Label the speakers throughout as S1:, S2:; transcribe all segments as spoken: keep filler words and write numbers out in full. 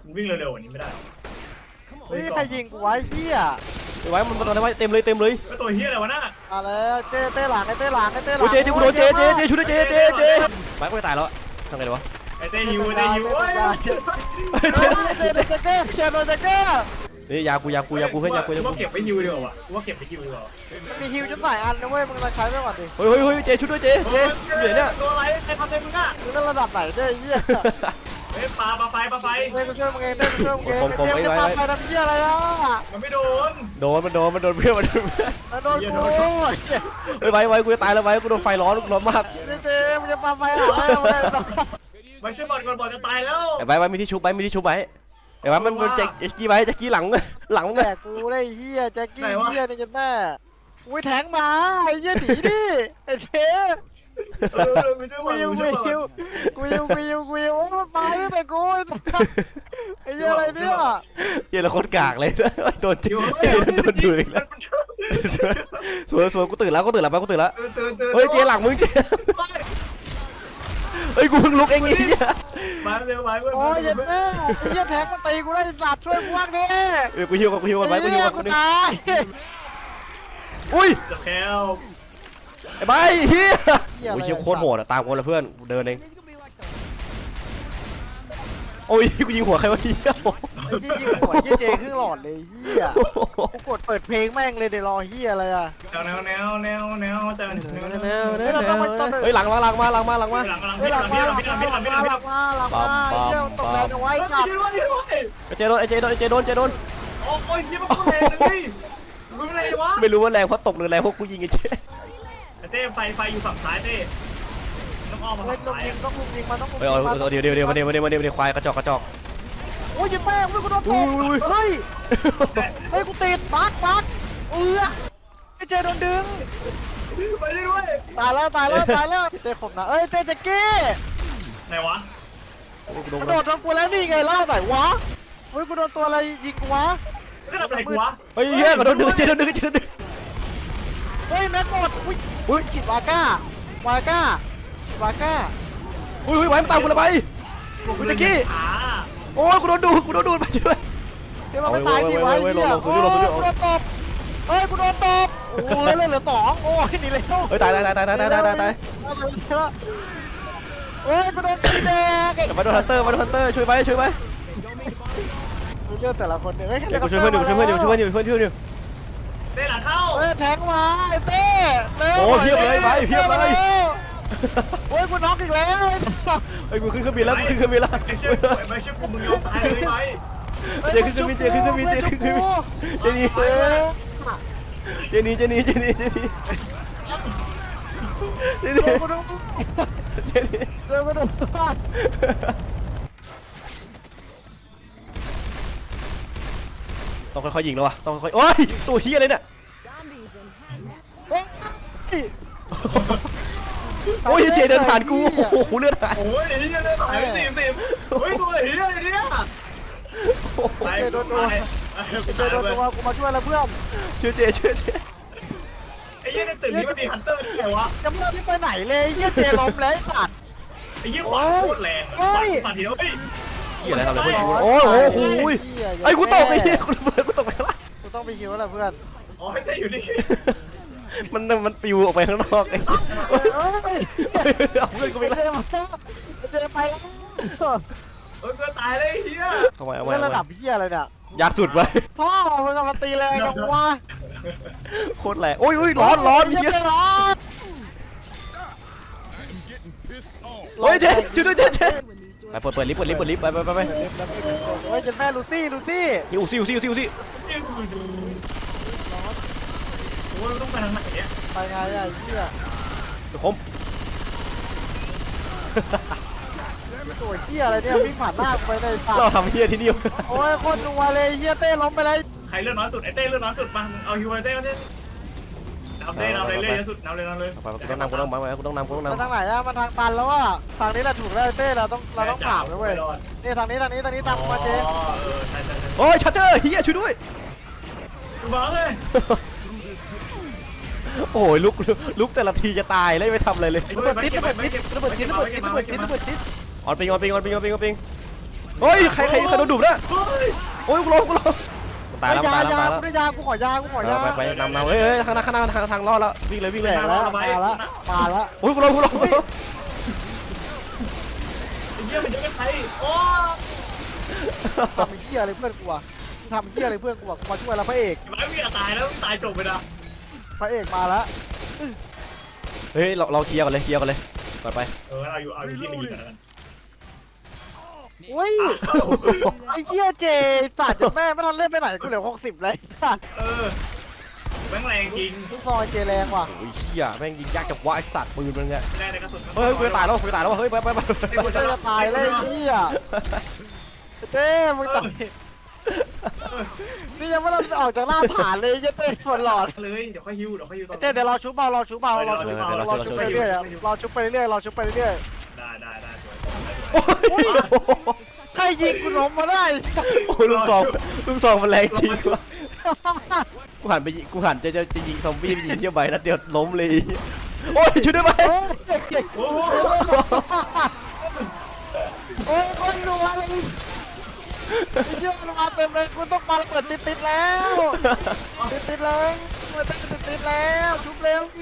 S1: วิ่งเร็วๆอันนี้ไม่ได้
S2: เฮ้ยใครยิงกูไว้เฮีย
S3: ไว้มันมันอะไรไว้เต็มเลยเต็มเลย
S1: ตัวเฮียอะไรวะน่ะ
S2: มาแล้วเจ๊เต้หลังไอ้เต้หลังไอ้เต้หลัง
S3: โอ้เจเจกูโดนเจเจเจช่วยด้วยเจเจเจไปกูจะตายแล้วทำไงดีวะ
S1: ไอ้เต้ฮิวไอ้เต้ฮิว
S2: เจ๊เจ๊เจ๊เจ๊เจ๊โดนเจ๊เจ๊
S3: นี่ยากูยากูยากูเพื่อนยากูยากู
S1: ว่าเก็บไปฮิวดีกว่าว่าเก็บไปฮิวดีกว่า
S2: มีฮิวจนหลายอันนะเว้ยมึงมาใช้ไปก่อนดิ
S3: เฮ้ยเฮ้ยเฮ้ยเจช่วยด้วยเจเจเหนื่อยเนี่ย
S1: ตัวอะไรใครทำอะไรมึงอ่ะ
S2: มึงนั่นระดับไหนเจ๊เฮีย
S1: เฮ้ยปลาปลาไฟปลาไฟ
S2: เต้กูช่วยมึงเองเต้กูช่วยมึงเองเจ๊จะปาไฟทำเฮียอะไรอ่ะ
S1: มันไม่โดน
S3: โดนมันโดนมันโดนเพื่อนมันโดน
S2: โดนกู
S3: เฮ้ยไว้ไว้กูจะตายแล้วไว้กูโดนไฟร้อนร้อนมาก
S2: เจ๊เจ๊มึงจะปาไฟหาไม่เอาเลย
S1: ไว้ช่วยบอลก่อนบอลจะตายแล้ว
S3: ไอ้ไว้ไว้มีที่ชุบไว้มีที่ชุบไว้ไอ้ไว้มันแจ็คแจ็คกี้ไว้แจ็คกี้หลังหลัง
S2: แต่กูได้เฮียแจ็คกี้เฮียนี่จะแม่อุ้ยแทงมาไอ้เฮียหนีดิไอ้เจ๊กูยิวกูยิวกูยิวกูยิวกูยิวโอ้มันมาไม่ไปกูไอ้เหี้ยอะไรเนี่ย
S3: เหี้ยละโคตรกากเลยโดนโดนดูอีกแล้วสวยสวยกูตื่นแล้วกูตื่นแล้วไปกูตื่นแล้วเฮ้ยเจหลังมึงเจเฮ้ยกูเพิ่งลุกเองไอ้เหี้ย
S1: มาเร็วมาเร็ว
S2: โอ้ยเหี้ยแม่ไอ้เหี้ยแทงมาตีกูได้สัตว์ช่วยพวกนี้
S3: เออกูหิวก่อนกูหิวก่อนไปกูหิวก่อนกู
S2: ตาย
S3: อุ้ย
S1: จะแพ้ว
S3: ไอ้ใบเฮียโอ้ยเชี่ยโคตรโหดอะตามกูเลยเพื่อนเดินเองโอ้ยกูยิงหัวใครวะเฮีย
S2: ไอ้ที่ยิงหัวเฮียเจครึ่งหลอดเลยเฮียกูกดเปิดเพลงแม่งเลยเดี๋ยวรอเฮียอะไรอะ
S1: แนวแนวแนวแนวจะแนวแนวแนว
S3: แนวเฮ้ยหลังมาหลังมาหลังมาหลังมา
S1: หลังหลังหลังหลังหลังหลังหลังหลังหลังหลังหลัง
S2: เจ้าตกแรงเอาไว้กับ
S3: เจโดนเจโดนเจโดนเจโดน
S1: โอ้ยเฮียมันแรงเลยมึงอะไรวะ
S3: ไม่รู้ว่าแรงเพราะตกหรือแรงเพราะกูยิงไอ้เจ
S1: เต้ไฟไฟอยู่ฝั่งซ้ายเต้ต้องอ้อมมาฝั่งซ้าย
S2: ต้องลุมยิงมาต้องลุม
S3: เฮ้ยเดี๋ยวเดี๋ยวเดี๋ยวมาเดี๋ยวมาเดี๋ยวมาเดี๋ยวควายกระจอกกระจอก
S2: โอ้ยแม่งกูโดนตบเฮ้ยเฮ้ยกูติดปักปักเออไอ้เจโดนดึง
S1: ไปเรื่อย
S2: ตายแล้วตายแล้วตายแล้วเต้ขมนะเอ้ยเต้แจ็คกี้
S1: ไหนวะ
S2: กูโดนโดนกูแล้วนี่ไงล่าไหนวะเฮ้ยกูโดนตัวอะไรยิงกูวะ
S1: ไม่ทำอะไรกูวะ
S3: เฮ้ยเฮียกูโดนดึงเจโดนดึงเจโดนดึง
S2: เฮ้ยแม็กหมดอุ้ยอุ้ยฉีดวาก้าวาก้าวาก้า
S3: อุ้ยอุ้ยไว้มันตามกูละไปกูจะกี้โอ้ยกูโดนดูกูโดนดูไปช่วย
S2: เดี๋ยวมันตายที่ไว้เหี้ยโอ้ยกูโดนตบเฮ้ยกูโดนตบโอ้ยเหลือสองโอ้ยหนีเลย
S3: เฮ้ยตายตายตายตายตายตายตายตาย
S2: เฮ้ยกูโดนตีแดง
S3: มาโดนฮันเตอร์มาโดนฮันเตอร์ช่วยไปช่วยไป
S2: กูเจอแต่ละคนเนี่ย
S3: เดี๋ยวกูช่วยเพื่อนอยู่ช่วยเพื่อนอยู่ช่วยเพื่อนอยู่เพื่อนช่วยอยู่
S1: เต้หลังเข้า
S2: เฮ้ยแทงมาไอ้เต้
S3: โอ้เพียบเลยไปเพียบเลย
S2: โอ้ยกูน็อกอีกแล้ว
S3: ไอ้กูขึ้นเครื่องบินแล้วกูขึ้นเครื่องบินแล้ว
S1: ไม่ใช่ไม่ใช่กูมึงยอมตายเลยไหม
S3: เจขึ้นเครื่องบินเจขึ้นเครื่องบินเจขึ้นเครื่องบินเจนี่เจนี่เจนี่เจนี่เจนี่เจนี่เจนี่
S2: เจอมาดู
S3: ต้องค่อยๆยิงแล้ววะต้องค่อยๆโอ้ยตัวเฮียเลยเนี่ยโอ้ยเจเดินผ่านกูโอ้โหเลือดหาย
S1: โอ้ยเฮียเดินผ่านไปสิบสิบเฮ้ยตัวเฮียอะไรเนี่ย
S2: เจโดนตัวเจโดนตัวกูมาช่วยแล้วเพื่อน
S3: ช่วยเจช่วยเจ
S1: ไอ้เฮียในตึกนี้มันมีฮันเตอร์ที่ไหนวะ
S2: จะไม่ได้ไปไหนเลยเฮียเจล้มแล้วสัตว์
S1: ไอ้เฮียขวาโคตรแรงปัดทีเดียวเฮ้ย
S3: เฮียอะไรทำอะไรโอ้โหไอ้กูตกไอ้เฮียกูระเบิดกูตกไปแล้ว
S2: กูต้องไปฮิวแล้วเพื่อน
S1: อ๋อไม่ได้อยู่นี่
S3: มันมันปิวออกไปข้างนอกไอ้เอาเพื่อนกูไปแล้ว
S2: เจไปแล้ว
S1: เออเกิดตายเลยเฮีย
S3: ทำไมเอาไว้
S2: ระดับเฮียอะไรเนี่ย
S3: ยากสุดไว้
S2: พ่อมันจะมาตีแรงจังวะ
S3: โคตรแรงโอ้ยโอ้ยร้อนร้อนเฮีย
S2: ร้อน
S3: โอ้ยเจ๊ช่วยด้วยเจ๊เจ๊ไปเปิดเปิดลิฟต์เปิดลิฟต์เปิดลิฟต์ไปไปไปไป
S2: โอ้ยเจ๊แม่ลูซี่ลูซี่
S3: ยูซี่ยูซี่ยูซี่ยูซี่
S1: โอ้ยต้องไปทางไหนเนี่ย
S2: ไปไงอ่ะเฮีย
S3: ผม
S2: ตัวเฮียอะไรเนี่ยวิ่งผ่านหน้าไปในป่า
S3: เราทำเฮียที่นี่
S2: โอ้ยคนนัวเลยเฮียเต้ล้มไปเลย
S1: ใครเลือดน้อยสุดไอ้เต้เลือดน้อยสุดมาเอาฮิวไอ้เต้มาเต้นำเต้นำเลยเลยสุดนำเลยนำเลย
S3: ไปกูต้องนำกูต้องมากูต้องนำกูต้องนำ
S2: ทางไหนอะมันทางตันแล้วอ่ะทางนี้แหละถูกแล้วเต้เราต้องเราต้องผ่านเลยเว้ยนี่ทางนี้ทางนี้ทางนี้ตามมาเจ๊
S3: โอ้ยชัดเจอเฮียช่วยด้วย
S1: มาเลย
S3: โอ้ยลุกลุกแต่ละทีจะตายเลยไม่ทำอะไรเลย
S2: ระเบิดติดระเบิดติดระเบิดติดระเบิดติดระเบิดติดระเบิดติด
S3: ออนปิงออนปิงออนปิงออนปิงออนปิงเฮ้ยใครใครใครโดนดุนะ
S1: เฮ้ย
S3: โอ้ยกูร้องกูร้องตายแล้วตายแล้วตายแล้ว
S2: กูได้ยากูขอยากูขอยา
S3: ไปไปนำนำเฮ้ยเฮ้ยข้างหน้าข้างหน้าทางทางรอดแล้ววิ่งเลยวิ่ง
S2: แต
S3: เลย
S2: กแล้วมาแล้วมาแล้ว
S3: โอ้ยกูร้องกูร้อง
S1: ไอ้เหี้ยมันจะเป็นใครโอ้
S2: ทำเหี้ยอะไรเพื่อนกูอ่ะทำเหี้ยอะไรเพื่อนกูอ่ะมาช่วยแล้วพระเอก
S1: ไอ้วิ่งตายแล้วตายจบไปนะ
S2: พระเอกมาแล้ว
S3: เฮ้ยเราเราเคลียร์กันเลยเคลียร์กันเลยไปไป
S1: เออเอาอยู่เอาอยู่ที่มีกันแล้วกัน
S2: อุ้ยไอ้เหี้ยเจสัตว์จะแม่ไม่ทันเล่นไปไหนกูเหลือหกสิบเลยสัตว์
S1: เออแม่งแรงจริง
S2: ทุกซอยเจแรงว่ะ
S3: โอ้ยเหี้ยแม่งยิงยากจับว่าไอ้สัตว์ปืนมันไง
S1: แรงในกระสุน
S3: เฮ้ยกูจะตายแล้วกูจะตายแล้วเฮ้ยไปไปไป
S2: กูจะตายเลยไอ้เหี้ยเต้มึงตายนี่ยังไม่ได้ออกจากหน้าฐานเลยเต้ฝนหลอด
S1: เลยเดี๋ยวค่อยฮิวเดี๋ยวค่อยฮิวตอน
S2: เต้เดี๋ยวเราชุบเบาเราชุบเบาเราชุบเบาเราชุบไปเรื่อยเราชุบไปเรื่อยเราชุบไปเรื่อย
S1: ได้ได้ได้สวย
S3: โอ้ย
S2: ใครยิงกูล้มมาได้
S3: โอ้ยลูกซองลูกซองมันแรงจริงวะกูหันไปยิงกูหันจะจะจะยิงซอมบี้ไปยิงเที่ยวใบนัดเดียวล้มเลยโอ้ยช่วยด้วยไหม
S1: โอ้โห
S2: โอ้ยคนรัวเลยเยอะมาเต็มเลยคุณต้องมาเปิดติดติดแล้วติดติดเลยมาติดติดติดแล้วชุบเร็ว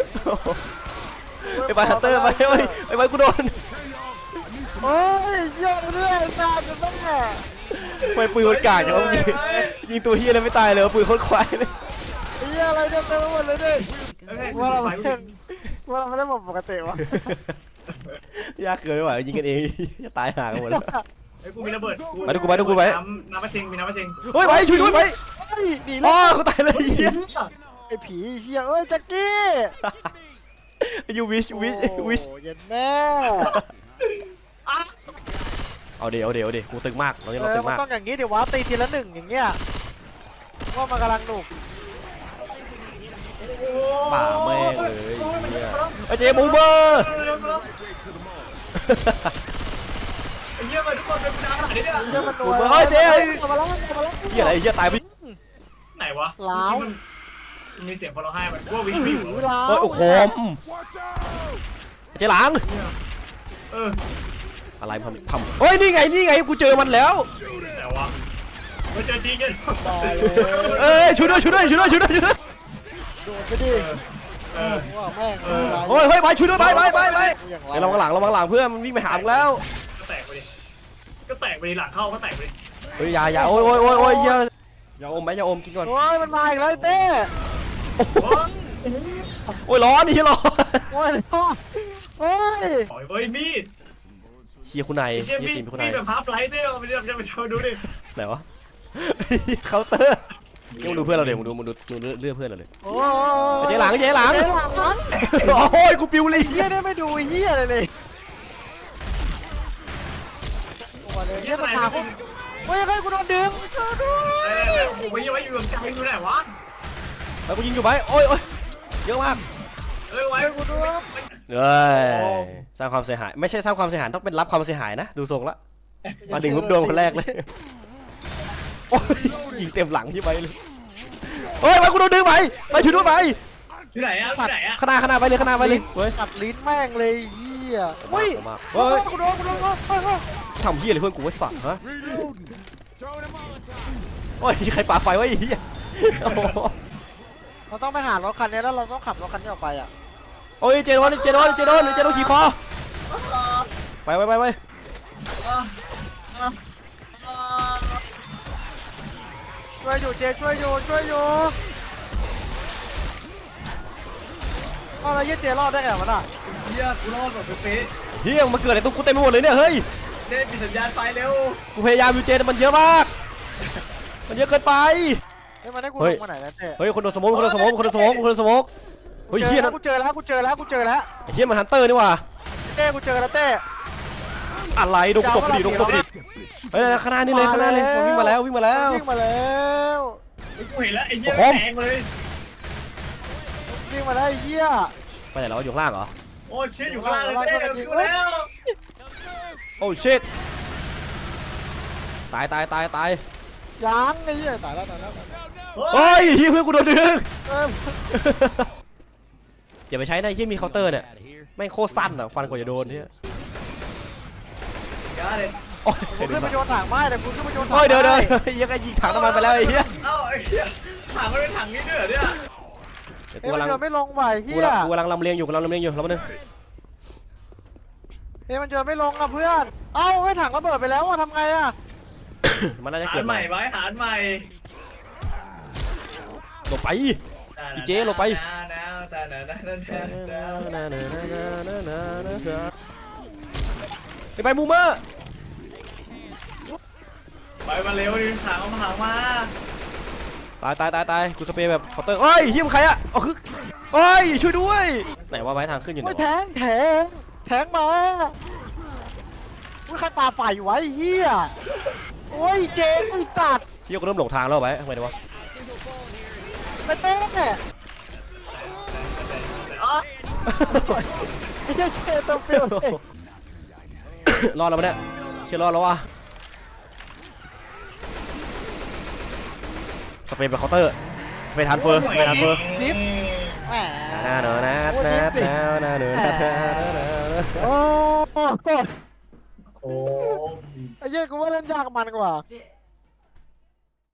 S3: ไอ้ใบฮันเตอร์ไปเฮ้ยไอ้ใบกูโดน
S2: โอ้ยเยอะเรื่อยตามจะต้องแห
S3: ไปปืนมันกากอย่างว่ายิงยิงตัวเฮียเลยไม่ตายเลยปืนโคตรควายเลย
S2: เยอะอะไรเต็มไปหมดเลยดิ
S1: เฮ้ย
S2: ว่าเรา
S1: ไป
S2: ไม่ว่าเราไม่ได้หมดปกติวะ
S3: ยากเกินไปว่ะยิงกันเองจะตายห่ากันหมดแล้ว
S1: ไอ้กูมีระเบิด
S3: ไปดูกูไปดูกูไป
S1: น้ำน้ำมะเชงมีน้ำมะเชง
S3: เฮ้ยไปช่วยด้วยไป
S2: เฮ้ยหนี
S3: อ๋
S2: แล้
S3: อ
S2: ว
S3: เขาตายเลยเฮีย
S2: ไอ้ผีเฮียเอ้ยแจ็คกี้
S3: ยูวิชวิชวิช
S2: โอ้เย็นแม่
S3: เอาเดี๋ยวเดี๋ยวเดี๋ยวกูตึงมากตอนนี้
S2: เอ
S3: เรา
S2: อ
S3: ตึง
S2: มัน
S3: มาก
S2: ต้องอย่างนี้เดี๋ยววะตีทีละหนึ่งอย่างเงี้ยว่ามันกำลังหนุก
S3: ป่าแม่งเลยเนี่ยไอ้เจบูเบอร์
S1: ไอ้เหี้ยมาทุกคนเป็นน้ำขนาดนี้เนี่ย
S2: เฮียมันหนุก
S3: เฮ้ยเจ๊
S2: มาแล้วมาแล้ว
S3: เฮียอะไรเฮียตายไป
S1: ไหนวะ
S2: ล้าว
S1: มีเสียงพอเราให้มันว่าวิ่งไม่อยู่
S2: หือล้าว
S3: เฮ้ยโอ้โหเจ๊หลัง
S1: เออ
S3: อะไรทำทำเฮ้ยนี่ไงนี่ไงกูเจอมันแล้ว
S1: แต่ว่ามันเจอจริงกัน
S2: ตายเลย
S3: เอ้ยช่วยด้วยช่วยด้วยช่วยด้วยช่วยด้วยช่วยด้วย
S2: โดนไปดิ
S1: เออ
S2: ว่าแม่ง
S3: เฮ้ยเฮ้ยไปช่วยด้วยไปไปไปไป
S2: อย่าง
S3: ไอ้ระวังหลังระวังหลังเพื่อนมันวิ่งไปหามึงแล้ว
S1: ก็แตกไปดิก็แตกไปดิหลังเข้าก็แตกไปดิ
S3: เฮ้ยอย่าอย่าโอ้ยโอ้ยโอ้ยโอ้ยอย่าอย่าอมไหมอย่าอมกินก่อน
S2: โอ้ยมันมาอีกแล้วเต้
S3: โอ้ยร้อนนี่ร้อน
S2: โอ้ยโอ้ย
S1: เฮ้ยมีด
S3: เฮียคุณนาย
S1: เชี่ย
S3: เฮีย
S1: มีด
S3: ทีมคุณ
S1: มี
S3: นาย
S1: ดแบบพับไลท์เนี่ยไปดูไปดูดิ
S3: ไหนวะเคาน์เตอร์มึงดูเพื่อนเราเดี๋ยวมึงดูมึงดูมึงดูเลือดเพื่อนเราเลย
S2: โอ้
S3: เจ๊หลังเจ๊หลัง
S2: เจ๊หลังมัน
S3: โอ้ยกูปิวเลย
S2: เฮียได้ไม่ดูเฮียเลยเลยโอ้ยเฮียมันมาปุ๊บเฮ้ยเฮ้ยกูโดนดึงช่วยด้วย
S1: ผมไม่ยังไม่อยู่กับใจอยู่ไหนวะ
S3: แล้วกูยิงอยู่ไปโอ้ยโอ้ยเยอะมาก
S1: เอ้ยไว้กูด้วย
S3: เอ้ยสร้างความเสียหายไม่ใช่สร้างความเสียหายต้องเป็นรับความเสียหายนะดูทรงละมาดึงรูปโดนคนแรกเลยโอ้ยยิงเต็มหลังที่ไปเลยเฮ้ยไปกูโดนดึงไปไปช่วยด้วยไป
S1: ที่ไหนอะที่ไหนอะ
S3: ข้างหน้าข้างหน้าไปเลยข้างหน้าไปเลยเฮ้ย
S2: กัดลิ้นแม่งเลยเฮียเฮ้ย
S3: เฮ้ย
S2: กูโดนกูโดนเฮ้ย
S3: ทำเฮียอะไรเพื่อนกูไว้สั่งฮะโอ้ยใครปาไฟไว้เฮีย
S2: เราต้องไปหารถคันนี้แล้วเราต้องขับรถคันนี้ออกไปอ่ะ
S3: โอ้ยเจโดนเจโดนเจโดนเจโดนขี่คอไปไปไปไป
S2: ช่วยอยู่เจช่วยอยู่ช่วยอยู่เอาอะไรเยี่ยเจรอดได้ไงวะน่ะ
S1: เฮียกูรอดแบบเป๊ะ
S3: เฮียมันเกิดอะไรตรงกูเต็มไปหมดเลยเนี่ยเฮ้ย
S1: เด้ปิดสัญญาณไฟเร็ว
S3: กูพยายามอยู่เจแต่มันเยอะมาก มันเยอะเกินไป
S2: เฮ้ยมันได้กู
S3: เฮ้
S2: ล
S3: ย
S2: งมาไหนแล้วเจ
S3: เฮ้ยคนโดนสโมกคนโดนสโมกคนโดนสโมกคนโดนสโมกเฮ้ยเฮียนั่น
S2: กูเจอแล้วกูเจอแล้วกูเจอแล้ว
S3: ไอ้เฮียมันฮันเตอร์นี่ว่ะ
S2: เต้กูเจอแล้วเต้
S3: อะไรโดนกูตบไปดิโดนกูตบไปดิเฮ้ยข้างหน้านี่เลยข้างหน้าเลยมันวิ่งมาแล้ววิ่งมาแล้ว
S2: วิ่งมาแล้ว
S1: กูเห็นแล้วไอ้เหี้ย
S3: โอ้โห
S1: แทงเลย
S2: วิ่งมาแล้วไอ้เหี้ย
S3: ไปไหนแล้วอยู่ข้างล่างเหรอ
S1: โอ้เชี่ยอยู่ข้างล่างเลยเต้อยู่แล้ว
S3: โอ้ชิตตายตายตายตาย
S2: ยังไอ้เหี้ยตายแล้วตายแล้วตายแล้ว
S3: เฮ้ยเฮียเพื่อนกูโดนดึง
S2: เออ
S3: อย่าไปใช้นะเฮียมีเคาน์เตอร์เนี่ยแม่งโคตรสั้นอ่ะฟันกว่าจะโดนเนี่ย
S1: อย่าเลย
S3: โอ้ย
S2: กูขึ้นไปโยนถังไม้แต่กูขึ้นไปโยนถัง
S3: โอ้ยเดี๋ยวเดี๋ยว
S2: ไม้
S3: ยังไงยิงถังน้ำมันไปแล้วไอ้เหี้ย
S1: เอ้าไอ้เหี้ยถังมันเป็นถังนี้ด้วยเหรอเนี่ย
S3: เดี๋ยว
S2: เฮ้
S3: กู
S2: ยมัน
S3: กำลัง
S2: โยนไม่ลงว่ะไอ้
S3: กู
S2: เฮีย
S3: กำลังกูกำลังลำเลียงอยู่กำลังลำเลียงอยู่แล้วมันนึง
S2: เฮ้ยมันโยนไม่ลงอ่ะเพื่อนเอ้าไอ้ยถังระเบิดไปแล้วอ่ะทำไงอ่ะ
S3: มันน่าจะ
S1: หา
S3: เกิ
S1: ร
S3: ด
S1: ใหม่ไว้หารใหม่
S3: ลงไป อีเจ๊ลงไป ไปไปมูเมอร์
S1: ไปมาเร็วดิถังเอามาถังมา
S3: ตายตายตายตายกูสเปรย์แบบเคาน์เตอร์เฮ้ยเฮียมนใครอะอ๋อคือเฮ้ยช่วยด้วยไหนว่าไม้ทางขึ้นอยู่ไหน
S2: โอ้ย
S3: ะ
S2: วแทงแทงแทงมาอุ้ยใครปาไฟอยู่วะไอ้เฮียโอ้ยเจ๊ไอ้สัตว์
S3: เฮียกูเริ่มหลงทางแล้วไว้ทำไมดีวะ
S2: ไปเต้นเนี่ย
S1: อ๋อ
S2: ไอ้เจ๊เจ๊ตัวเปรี้ยวเลย
S3: รอดแล้วปะเนี่ยเชื่อรอดแล้ววะสเปรย์แบบเคาน์เตอร์สเปรย์ทันเฟอร์สเปรย์ทันเฟอร์
S2: นิฟแหม
S3: นาโนนานานานาโนนานานา
S2: โอ้โห
S1: โอ้
S2: ไอ้เหี้ยกูว่าเล่นยากมันกว่า
S1: เ